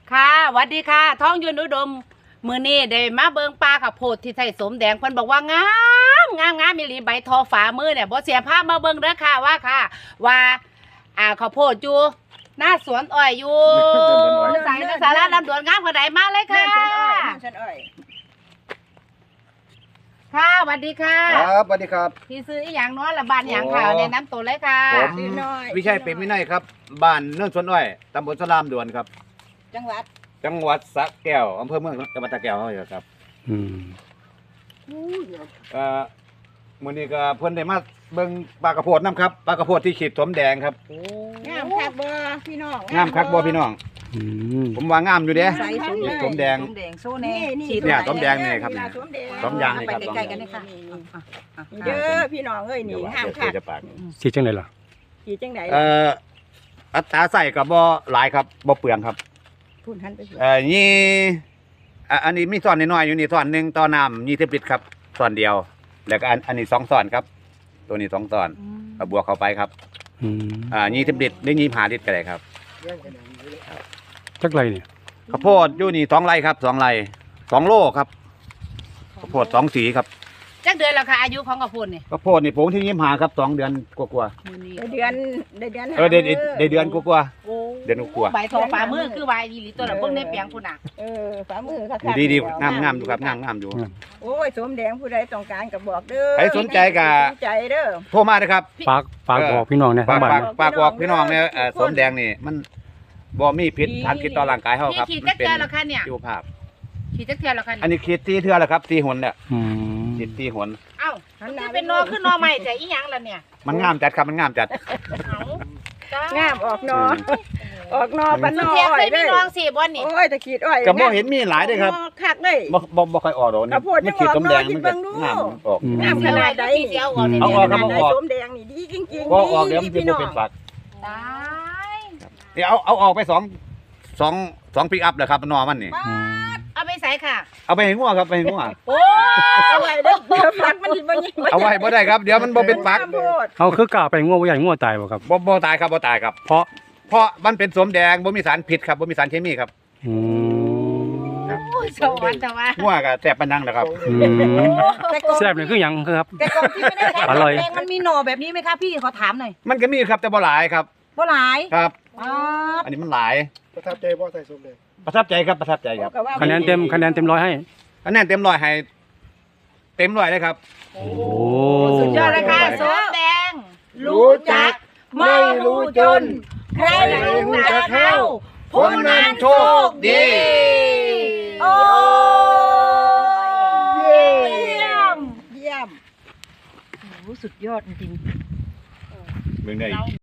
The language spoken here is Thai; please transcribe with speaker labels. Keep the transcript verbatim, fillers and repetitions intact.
Speaker 1: ค่ะสวัสดีค่ะท้องยืนอุดมมือนี้ได้มาเบิงปลาข้าวโพดที่ไทยสมแดงเพิ่นบอกว่างามงามงามมีหลีใบทอฝามือเนี่ยบ่เสียภาพมาเบิงเด้อค่ะว่าค่ะ ว่าอ่าข้าวโพดอยู่หน้าสวนอ้อยอยู่สายสาระลำดวนงามขนาดไหนมาเลยค่ะ
Speaker 2: ฉันอ้อย
Speaker 1: ค่ะสวัสดีค่ะ
Speaker 3: ครับสวัสดีครับ
Speaker 1: ที่ซื้ออีหยังเนาะละบานหยังค่ะแนะนำตัวเลยค่ะ
Speaker 3: ผมวิชัยเป็นวินัยครับบ้านเนื่องสวนอ้อยตำบลสลามด่วนครับ
Speaker 2: จังหวัด
Speaker 3: จังหวัดสระแก้วอำเภอเมืองจังหวัดสระแก้วเขาอยู่ครับ
Speaker 4: อืม
Speaker 3: เอ่อมื้อนี้ก็เพิ่นได้มาเบิ่งปลากระโพดน้ำครับปลากระโพดที่ขีดสมแดงครับ
Speaker 2: งามคักบ่พี่น้อง
Speaker 3: งามคักบ่พี่น้อง
Speaker 4: อืม
Speaker 3: ผมว่างามอยู่เด้
Speaker 2: ใส่สม
Speaker 3: สมแดง
Speaker 2: สมแดงโซเน่
Speaker 3: เนี่ยสมแดงนี่ครับ
Speaker 2: สมแดง
Speaker 3: สมยางนี่ครับ
Speaker 2: ไปใกล้ๆกันนี่ค่ะเด้อพี่น้องเอ้ยนี่
Speaker 3: เดี๋ยว
Speaker 2: งาม
Speaker 3: เดี๋
Speaker 2: คั
Speaker 3: ย
Speaker 2: ก
Speaker 3: วจะปาก
Speaker 4: สีจังไดล่ะ
Speaker 2: ขี่จังได๋
Speaker 3: เอ่ออัตราใส่ก็บ่หลายครับบ่เปลืองครับ
Speaker 2: พูดหันไป
Speaker 3: เอ่อนี่อ่ะอันนี้มีซ่อนน้อยๆอยู่นี่ซ่อนหนึงต่อน้ำยี่สิบลิตรครับซ่อนเดียว แล้วก็อันอันนี้สองซ่อนครับ ตัวนี้สองซ่อนเอาบวกเข้าไปครับ
Speaker 4: อืม
Speaker 3: อ่ายี่สิบลิตรหรือยี่สิบห้าลิตรก็ได้ครับ
Speaker 4: จักไรเนี่ย
Speaker 3: ข้าวโพดอยู่นี่สองไร่ครับสองไร่สองโลครับข้าวโพดสองสีครับ
Speaker 1: จักเดือนแล้วค่ะอายุของข้าวโพดนี่
Speaker 3: ข้าวโพดนี่ปลูกที่ยี่สิบห้าครับสองเดือนกว่า
Speaker 1: มื้อนี้
Speaker 2: ได้เดือนได้เดือน
Speaker 3: ๆเออได้ได้ได้เดือนกว่า
Speaker 1: โอ้
Speaker 3: เดือนกว่า
Speaker 1: ใบทอฝามือคือใบอีหลีตัวละเบิ่งในเปียงพุ่นน่ะ
Speaker 2: เออฝ่ามือคัก
Speaker 3: ๆอยู่ดีดีๆงามงามอยู่ครับงามงามอยู่
Speaker 2: โอ้ยสมแดงผู้ใดต้องการก็บอกเด้อ
Speaker 3: ใครสนใจก็
Speaker 2: สนใจเด้อ
Speaker 3: โทรมาเลยครับ
Speaker 4: ปากปากบอกพี่น้องเนี่ย
Speaker 3: ปา
Speaker 4: ทั้
Speaker 3: ก
Speaker 4: งบ้าน
Speaker 3: ปาก
Speaker 4: เนี่ย
Speaker 3: ปากบอกพี่น้องเนี่ยเอ่อสมแดงนี่มันบ่มีพิษทางคิดต่อร่างกายเฮา
Speaker 1: นี่
Speaker 3: ครับ
Speaker 1: ขีด
Speaker 3: มั
Speaker 1: จั
Speaker 3: น
Speaker 1: ก
Speaker 3: เป็น
Speaker 1: เทื่อแล้วค่ะเนี่ย
Speaker 3: ชีวภาพ
Speaker 1: ขีดจักเทื่อแล้วค่ะ
Speaker 3: อัน
Speaker 1: เนี่ย
Speaker 3: นี้คิดตีเทื่อแล้วครับตีหนเนี่ย
Speaker 4: อืม
Speaker 3: คิดตีหน
Speaker 1: เอ้ามันจะเป็นนอขึ้นนอใหม่แต่อีหยังล่ะเนี่ย
Speaker 3: มันงามจัดครับมันงามจัด
Speaker 1: เอ้าจ้าง
Speaker 2: ามออกนอออกนอปะน
Speaker 1: สุ
Speaker 2: อ
Speaker 1: เทียบ
Speaker 2: อ้อ
Speaker 1: เค
Speaker 2: ย
Speaker 1: ยมี
Speaker 2: เด้
Speaker 1: น้
Speaker 2: อ
Speaker 1: องสิบ่นี่
Speaker 2: โอ้ยตะขีดอ้อย
Speaker 3: ก็บ่เห็นมีหลายเด้อครับ
Speaker 2: คักเลย
Speaker 3: บ่บ่บ่ค่อยออกดอกนี่
Speaker 2: ข้าวโพด
Speaker 3: มันขีดสมแดง
Speaker 2: ยัง
Speaker 3: มัน
Speaker 2: ออก
Speaker 3: ก็
Speaker 2: เนาะ
Speaker 3: งามออก
Speaker 4: อืม
Speaker 2: งามขนาดใด
Speaker 1: พี่เสียเอาออกเนี่ย
Speaker 3: เอาออกครับ
Speaker 2: ข
Speaker 3: เอา
Speaker 2: นาด
Speaker 3: ออก
Speaker 2: สมแดงนี่ดีจริงๆ
Speaker 3: บ่ออกเดี๋ยวมัน
Speaker 2: ดี
Speaker 3: จะ
Speaker 2: พี่
Speaker 3: บ่
Speaker 2: น้อง
Speaker 3: เป็นฝัก
Speaker 1: ตาย
Speaker 3: นี่เอาเอาออกไปสองสองสองปิกอัพเลยครับหนอมันนี่
Speaker 4: อืม
Speaker 1: เอาไปใส่ค่ะ
Speaker 3: เอาไปให้งัวครับไปให้งัว
Speaker 1: โอ้
Speaker 2: เอาไว้เด้อเดี๋ยวฟักมันบ่ยิง
Speaker 3: เอาไว้บ่ได้ครับเดี๋ยวมันบ่เป็นฝัก
Speaker 2: ข้าวโพด
Speaker 4: เอาคือกล้าไปง่วงบ่ใหญ่ง่วงตายบ่ครับ
Speaker 3: บ่บ่ตายครับบ่ตายครับ
Speaker 4: เพราะ
Speaker 3: เพราะมันเป็นสมแดงบ่มีสารพิษครับบ่มีสารเคมีครับ
Speaker 4: อืม
Speaker 1: ยสวรรค์แต่ว่า
Speaker 3: งัวก็แซ่บปานนังนะครับ
Speaker 4: อืม
Speaker 2: แต่ก่อน
Speaker 4: แซ่บเนี่ยคือหยังครับ
Speaker 2: แต่ก่อนที่ไม่ได้ใช้
Speaker 4: อร่อย
Speaker 2: แดงมันมีหน่อแบบนี้ไหมคะพี่ขอถามหน่อย
Speaker 3: มันก็มีครับแต่บ่หลายครับ
Speaker 2: บ่หลาย
Speaker 3: ครับ
Speaker 2: อ๋อ
Speaker 3: อันนี้มันหลาย
Speaker 5: ประทับใจบ่ใส่สมแดง
Speaker 3: ประทับใจครับประทับใจครับ
Speaker 2: ก็ว่า
Speaker 4: คะแนนเต็มคะแนนเต็มร้อยให้
Speaker 3: คะแนนเต็มร้อยให้เต็มร้อยเลยครับ
Speaker 4: โอ้
Speaker 1: สุดยอดเลยค่ะสวมแดง
Speaker 5: รู้จักไม่รู้จน
Speaker 1: ใครรู้จักเข้า
Speaker 3: ผู้นั้นโชคดี
Speaker 1: โอ้ยเยี่ยม
Speaker 2: เยี่ยมโอ้โหสุดยอดจริง
Speaker 3: เบิ่งได้